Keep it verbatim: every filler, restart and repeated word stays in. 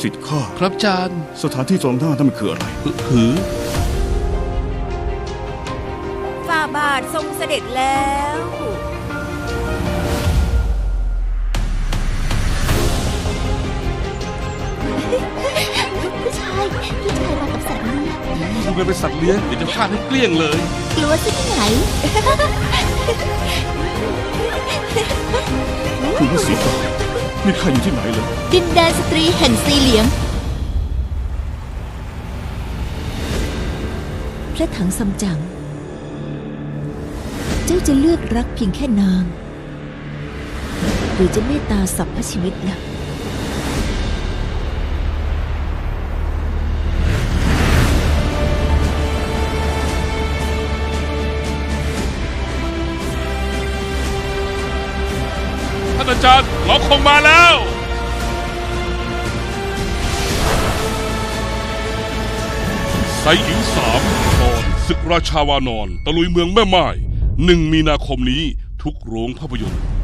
สิทธิ์ข้าครับอาจารย์สถานที่ตรงหน้านั่นมันคืออะไรหือฝ่าบาททรงเสด็จแล้วผู้ชายพี่ชายมากับสัตว์เลี้ยงดูกันเป็นสัตว์เลี้ยงเดี๋ยวจะฆ่าให้เกลี้ยงเลยกลัวซะที่ไหนคุณพระศรีตานี่ข้าอยู่ที่ไหนเลยดินแดนสตรีแห่งสีเหลียงพระถังซัมจั๋งเจ้าจะเลือกรักเพียงแค่นาง หรือจะเมตตาสรรพชีวิตล่ะท่านอาจารย์เราคงมาแล้วไซอิ๋วสามตอนศึกราชาวานอนตะลุยเมืองแม่ไม้หนึ่งมีนาคมนี้ทุกโรงภาพยนตร์